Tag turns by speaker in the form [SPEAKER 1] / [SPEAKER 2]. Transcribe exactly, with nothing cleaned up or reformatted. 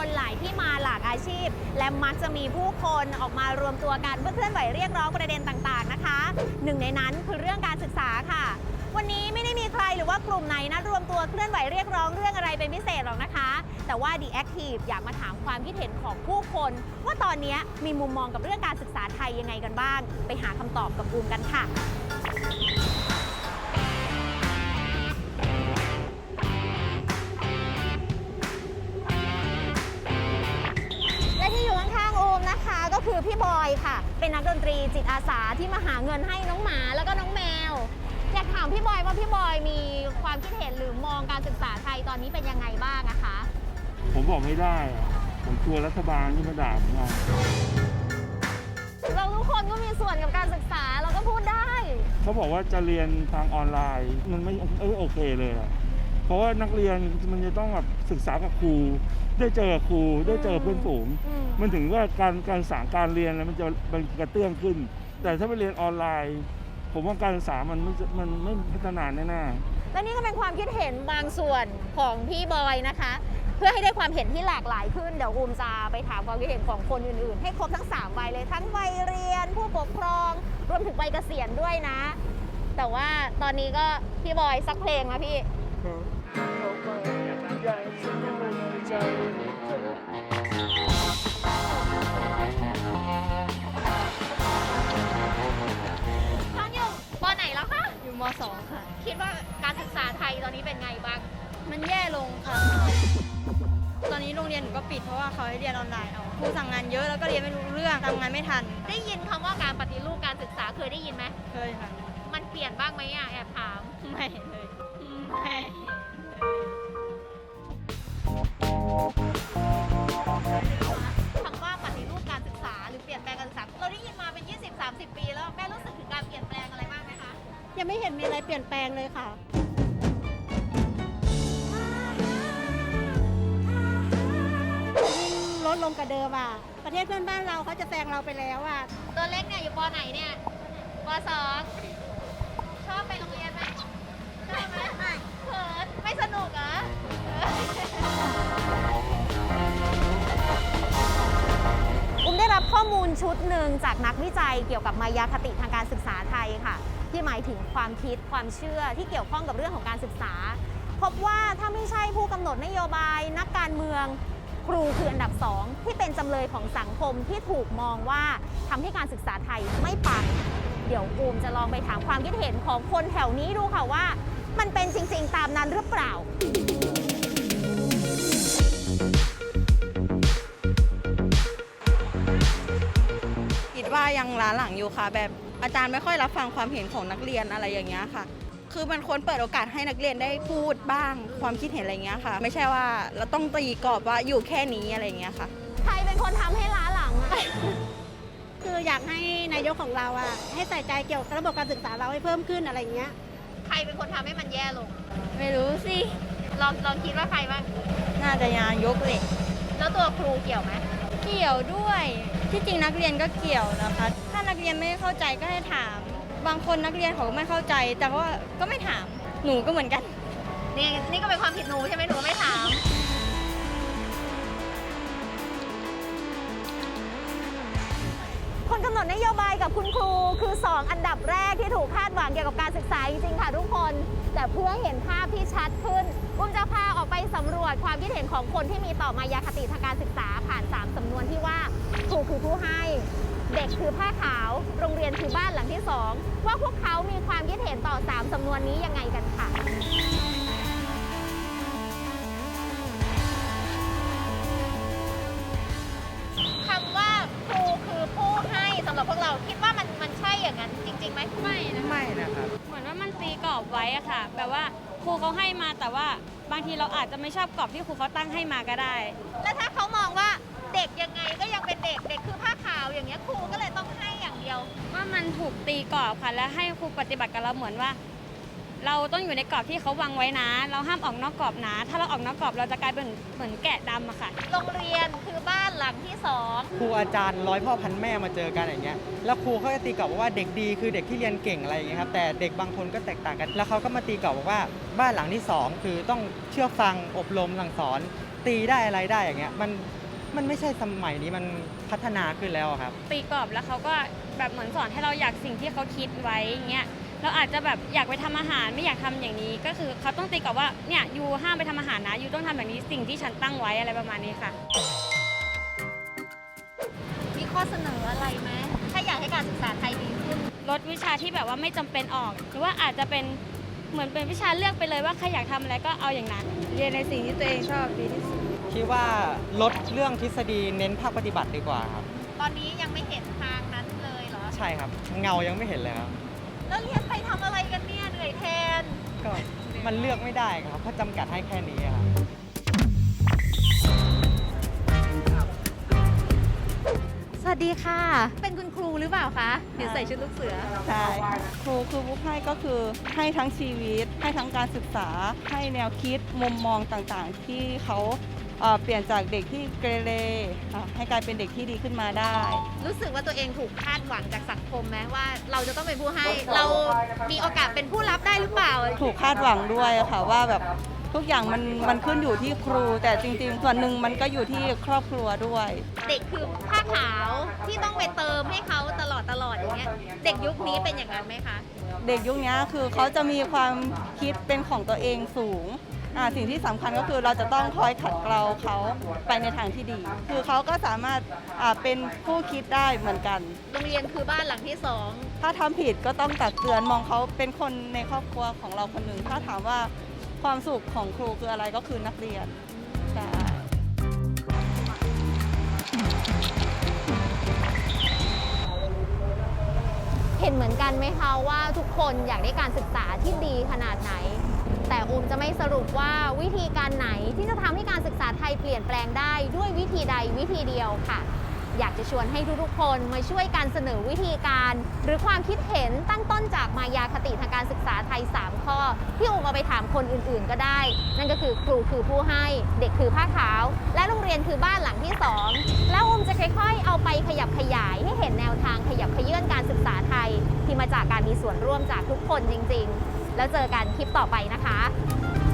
[SPEAKER 1] คนหลายที่มาหลากอาชีพและมักจะมีผู้คนออกมารวมตัวกันเพื่อเคลื่อนไหวเรียกร้องประเด็นต่างๆนะคะหนึ่งในนั้นคือเรื่องการศึกษาค่ะวันนี้ไม่ได้มีใครหรือว่ากลุ่มไหนนัดรวมตัวเคลื่อนไหวเรียกร้องเรื่องอะไรเป็นพิเศษหรอกนะคะแต่ว่า The Active อยากมาถามความคิดเห็นของผู้คนว่าตอนนี้มีมุมมองกับเรื่องการศึกษาไทยยังไงกันบ้างไปหาคำตอบกับบูมกันค่ะและที่อยู่ข้างๆอูมนะคะก็คือพี่บอยค่ะเป็นนักดนตรีจิตอาสาที่มาหาเงินให้น้องหมาแล้วก็น้องแมวอยากถามพี่บอยว่าพี่บอยมีความคิดเห็นหรือมองการศึกษาไทยตอนนี้เป็นยังไงบ้างอะคะ
[SPEAKER 2] ผมบอกไม่ได้ผมกลัวรัฐบาลที่มาด่าผมเอา
[SPEAKER 1] เราทุกคนก็มีส่วนกับการศึกษาเราก็พูดได้
[SPEAKER 2] เขาบอกว่าจะเรียนทางออนไลน์มันไม่เออโอเคเลยอะเพราะว่านักเรียนมันจะต้องแบบศึกษากับครูได้เจอครูได้เจอเพื่อนฝูงมันถึงว่าการการศึกษาการเรียนแล้วมันจะมันกระเตื้องขึ้นแต่ถ้าไปเรียนออนไลน์ผมว่าการศึกษามันมันไม่พัฒนาแน่
[SPEAKER 1] ๆและนี่ก็เป็นความคิดเห็นบางส่วนของพี่บอยนะคะเพื่อให้ได้ความเห็นที่หลากหลายขึ้นเดี๋ยวอูมจะไปถามความคิดเห็นของคนอื่นๆให้ครบทั้งสามวัยเลยทั้งวัยเรียนผู้ปกครองรวมถึงวัยเกษียณด้วยนะแต่ว่าตอนนี้ก็พี่บอยสักเพลงนะพี่ท่านอยู่ป.ไหนแล้วคะ
[SPEAKER 3] อยู่ม.สอง ค่ะ
[SPEAKER 1] คิดว่าการศึกษาไทยตอนนี้เป็นไงบ้าง
[SPEAKER 3] มันแย่ลงค่ะตอนนี้โรงเรียนหนูก็ปิดเพราะว่าเขาให้เรียนออนไลน์เอาครูสั่งงานเยอะแล้วก็เรียนไม่รู้เรื่องทำงานไม่ทัน
[SPEAKER 1] ได้ยินคำว่าการปฏิรูปการศึกษาเคยได้ยินไหม
[SPEAKER 3] เคยค่ะ
[SPEAKER 1] มันเปลี่ยนบ้างไหมอ่ะแอบถาม
[SPEAKER 3] ไม่เลยไม่
[SPEAKER 1] คำว่าปฏิรูปการศึกษาหรือเปลี่ยนแปลงการศึกษาเราได้ยินมาเป็น ยี่สิบ สามสิบ ปีแล้วแม่รู้สึกถึงการเปลี่ยนแปลงอะไรบ้างไหมคะ
[SPEAKER 3] ยังไม่เห็นมีอะไรเปลี่ยนแปลงเลยค่ะลดลงกว่าเดิมอ่ะประเทศเพื่อนบ้านเราเขาจะแซงเราไปแล้วอ่ะ
[SPEAKER 1] ตัวเล็กเนี่ยอยู่ป.ไหนเนี่ยป.สอง ชอบไปโรงเรียนไหมชอบไหมไม่เขินไม่สนุกเหรออุ้มได้รับข้อมูลชุดหนึ่งจากนักวิจัยเกี่ยวกับมายาคติทางการศึกษาไทยค่ะที่หมายถึงความคิดความเชื่อที่เกี่ยวข้องกับเรื่องของการศึกษาพบว่าถ้าไม่ใช่ผู้กำหนดนโยบายนักการเมืองครูคืออันดับสองที่เป็นจำเลยของสังคมที่ถูกมองว่าทำให้การศึกษาไทยไม่ปังเดี๋ยวอูมจะลองไปถามความคิดเห็นของคนแถวนี้ดูค่ะว่ามันเป็นจริงๆตามนั้นหรือเปล่า
[SPEAKER 3] คิดว่ายังล้าหลังอยู่ค่ะแบบอาจารย์ไม่ค่อยรับฟังความเห็นของนักเรียนอะไรอย่างเงี้ยค่ะคือมันควรเปิดโอกาสให้นักเรียนได้พูดบ้างความคิดเห็นอะไรเงี้ยค่ะไม่ใช่ว่าเราต้องตีกรอบว่าอยู่แค่นี้อะไรเงี้ยค่ะ
[SPEAKER 1] ใครเป็นคนทำให้ล้าหลังอะ
[SPEAKER 3] คืออยากให้นายกของเราอะให้ใส่ใจเกี่ยวกับระบบการศึกษาเราให้เพิ่มขึ้นอะไรเงี้ย
[SPEAKER 1] ใครเป็นคนทำให้มันแย่ลง
[SPEAKER 3] ไม่รู้สิ
[SPEAKER 1] ลองลองคิดว่าใครบ้าง
[SPEAKER 3] น่าจะนายกเลย
[SPEAKER 1] แล้วตัวครูเกี่ยวไหม
[SPEAKER 3] เกี่ยวด้วยที่จริงนักเรียนก็เกี่ยวนะคะถ้านักเรียนไม่เข้าใจก็ให้ถามบางคนนักเรียนเขาไม่เข้าใจแต่ว่าก็ไม่ถามหนูก็เหมือนกัน
[SPEAKER 1] นี่นี่ก็เป็นความผิดหนูใช่ไหมหนูไม่ถามคนกำหนดนโยบายกับคุณครูคือสองอันดับแรกที่ถูกคาดหวังเกี่ยวกับการศึกษาจริงๆค่ะทุกคนแต่เพื่อเห็นภาพที่ชัดขึ้นอุ้มจะพาออกไปสำรวจความคิดเห็นของคนที่มีต่อมายาคติทางการศึกษาผ่านสามสำนวนที่ว่าครูคือผู้ให้เด็กคือผ้าขาวโรงเรียนคือบ้านหลังที่สองว่าพวกเขามีความคิดเห็นต่อสามสำนวนนี้ยังไงกันค่ะคำว่าครูคือผู้ให้สำหรับพวกเราคิดว่ามันมันใช่อย่างนั้นจริงๆไหม
[SPEAKER 3] ไม่นะ
[SPEAKER 2] ไม่นะครับ
[SPEAKER 3] เหมือนว่ามันตีกรอบไว้อะค่ะแบบว่าครูเขาให้มาแต่ว่าบางทีเราอาจจะไม่ชอบกรอบที่ครูเขาตั้งให้มาก็ได้
[SPEAKER 1] แล้วถ้าเขามองว่าเด็กยังไงก็ยังเป็นเด็กเด็กคือผ้าขาวอย่างเงี้ยครูก็เลยต้องให้อย่างเดียว
[SPEAKER 3] ว่ามันถูกตีกรอบค่ะและให้ครูปฏิบัติกับเราเหมือนว่า
[SPEAKER 4] เราต้องอยู่ในกรอบที่เขาวางไว้นะ เราห้ามออกนอกกรอบนะ ถ้าเราออกนอกกรอบเราจะกลายเป็นเหมือนแกะดำอะค่ะ
[SPEAKER 1] โรงเรียนคือบ้านหลังที่สอง
[SPEAKER 5] ครูอาจารย์ร้อยพ่อพันแม่มาเจอกันอย่างเงี้ยแล้วครูเขาจะตีกรอบว่าเด็กดีคือเด็กที่เรียนเก่งอะไรอย่างเงี้ยครับแต่เด็กบางคนก็แตกต่างกัน แล้วเขาก็มาตีกรอบบอกว่าบ้านหลังที่สองคือต้องเชื่อฟังอบรมสั่งสอนตีได้อะไรได้อย่างเงี้ยมันมันไม่ใช่สมัยนี้มันพัฒนาขึ้นแล้วอะครับ
[SPEAKER 4] ตีกรอบแล้วเขาก็แบบเหมือนสอนให้เราอยากสิ่งที่เขาคิดไว้อย่างเงี้ยเราอาจจะแบบอยากไปทำอาหารไม่อยากทำอย่างนี้ ก็คือเขาต้องตีกรอบว่าเนี่ยยูห้ามไปทำอาหารนะยูต้องทำแบบนี้สิ่งที่ฉันตั้งไว้อะไรประมาณนี้ค่ะ
[SPEAKER 1] มีข้อเสนออะไรไหมถ้าอยากให้การศึกษาไทยดีขึ้น
[SPEAKER 4] ลดวิชาที่แบบว่าไม่จำเป็นออก หรือว่าอาจจะเป็นเหมือนเป็นวิชาเลือกไปเลยว่าใครอยากทำอะไรก็เอาอย่างนั้น
[SPEAKER 3] เรียนในสิ่งที่ตัวเองชอบดีที่สุด
[SPEAKER 5] คิดว่าลดเรื่องทฤษฎีเน้นภาคปฏิบัติดีกว่าครับ
[SPEAKER 1] ตอนนี้ยังไม่เห็นทางนั้นเลยเหรอ
[SPEAKER 5] ใช่ครับเงายังไม่เห็นเลยครับ
[SPEAKER 1] แล้วเรียนไปทำอะไรกันเนี่ยเหนื่อยแทน
[SPEAKER 5] ก็มันเลือกไม่ได้ครับเพราะจำกัดให้แค่นี้ครับ
[SPEAKER 1] สวัสดีค่ะ เป็นคุณครูหรือเปล่าคะเดี๋ยวใส่ชุดลูกเสือ
[SPEAKER 6] ใช่ครูคือบุ๊กให้ก็คือให้ทั้งชีวิต ให้ทั้งการศึกษา ให้แนวคิดมุมมองต่างๆ ที่เขาเอ่อเปลี่ยนจากเด็กที่เกเรอ่ะให้กลายเป็นเด็กที่ดีขึ้นมาได้
[SPEAKER 1] รู้สึกว่าตัวเองถูกคาดหวังจากสังคมไหมว่าเราจะต้องเป็นผู้ให้ เรามีโอกาสเป็นผู้รับได้หรือเปล่า
[SPEAKER 6] ถูกคาดหวังด้วยอะค่ะว่าแบบทุกอย่างมันมันขึ้นอยู่ที่ครู แต่จริงๆ ส่วนหนึ่งมันก็อยู่ที่ครอบครัวด้วย
[SPEAKER 1] เด็กคือผ้าขาวที่ต้องไปเติมให้เขาตลอดตลอดอย่างเงี้ย เด็กยุคนี้เป็นอย่างนั้นไหมคะ
[SPEAKER 6] เด็กยุคนี้คือเขาจะมีความคิดเป็นของตัวเองสูงอ่าสิ่งที่สำคัญก็คือเราจะต้องคอยขัดเกลาเขาไปในทางที่ดี คือเขาก็สามารถอ่าเป็นผู้คิดได้เหมือนกัน
[SPEAKER 1] โรงเรียนคือบ้านหลังที่สอง
[SPEAKER 6] ถ้าทำผิดก็ต้องตักเตือนมองเขาเป็นคนในครอบครัวของเราคนหนึ่ง ถ้าถามว่าความสุขของครูคืออะไรก็คือนักเรียนใช่
[SPEAKER 1] เห็นเหมือนกันไหมคะว่าทุกคนอยากได้การศึกษาที่ดีขนาดไหน แต่อูมจะไม่สรุปว่าวิธีการไหนที่จะทำให้การศึกษาไทยเปลี่ยนแปลงได้ด้วยวิธีใดวิธีเดียวค่ะ อยากจะชวนให้ทุกๆคนมาช่วยกันเสนอวิธีการ หรือความคิดเห็นตั้งต้นจากมายาคติทางการศึกษาไทย สาม ข้อ ที่อูมเอาไปถามคนอื่นๆก็ได้ นั่นก็คือครูคือผู้ให้ เด็กคือผ้าขาว และโรงเรียนคือบ้านหลังที่สองแล้วอูมจะค่อยๆ เอาไปขยับขยายให้เห็นแนวทางขยับเขยื่อนการศึกษาไทย ที่มาจากการมีส่วนร่วมจากทุกคนจริงๆ แล้วเจอกันคลิปต่อไปนะคะ